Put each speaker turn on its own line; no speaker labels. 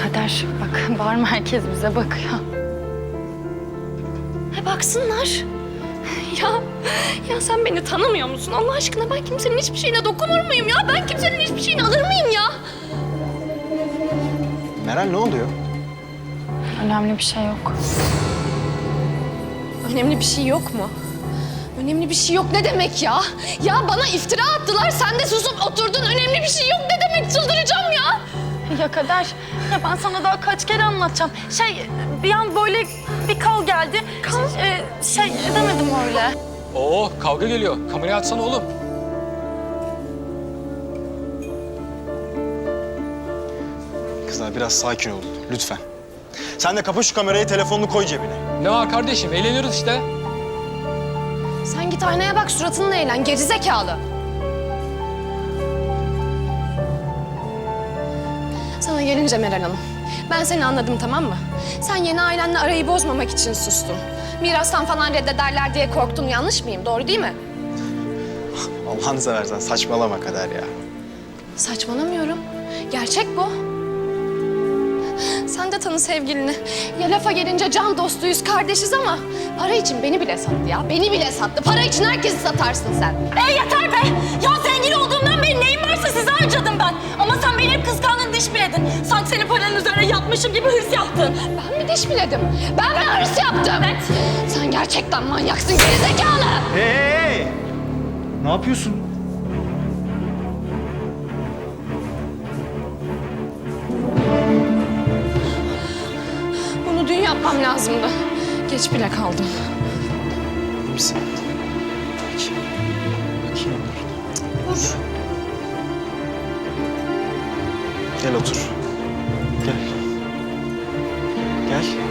Kader bak, bağırma, herkes bize bakıyor.
Baksınlar. Ya sen beni tanımıyor musun? Allah aşkına ben kimsenin hiçbir şeyine dokunur muyum ya? Ben kimsenin hiçbir şeyini alır mıyım ya?
Meral ne oluyor?
Önemli bir şey yok.
Önemli bir şey yok mu? Önemli bir şey yok ne demek ya? Ya bana iftira attılar, sen de susup oturdun. Önemli bir şey yok ne demek? Çıldıracağım ya.
Ya Kader, ya ben sana daha kaç kere anlatacağım. Bir an böyle bir kal geldi. Edemedim öyle.
Oo, kavga geliyor. Kamerayı açsana oğlum.
Kızlar biraz sakin olun lütfen. Sen de kapa şu kamerayı, telefonunu koy cebine.
Ne var kardeşim? Eğleniyoruz işte.
Sen git aynaya bak, suratınla eğlen, gerizekalı. Sana gelince Meral Hanım, ben seni anladım, tamam mı? Sen yeni ailenle arayı bozmamak için sustun. Mirastan falan reddederler diye korktun, yanlış mıyım? Doğru değil mi?
Allah'ını seversen saçmalama Kader ya.
Saçmalamıyorum. Gerçek bu. Sen de tanı sevgilini. Ya lafa gelince can dostuyuz, kardeşiz ama para için beni bile sattı ya. Beni bile sattı. Para için herkesi satarsın sen.
Yeter be! Ya zengin olduğumdan beri neyim varsa size harcadım ben. Ama sen beni hep kıskandın, diş biledin. Sanki senin paranın üzerine yatmışım gibi hırs yaptın.
Ben mi diş biledim? Ben mi hırs yaptım?
Evet.
Sen gerçekten manyaksın, gerizekalı.
Hey! Ne yapıyorsun?
Bunu dün yapmam lazımdı. Geç bile kaldım.
İyi misin? Bakayım. Bakayım.
Dur.
Gel otur. Gel. Gel.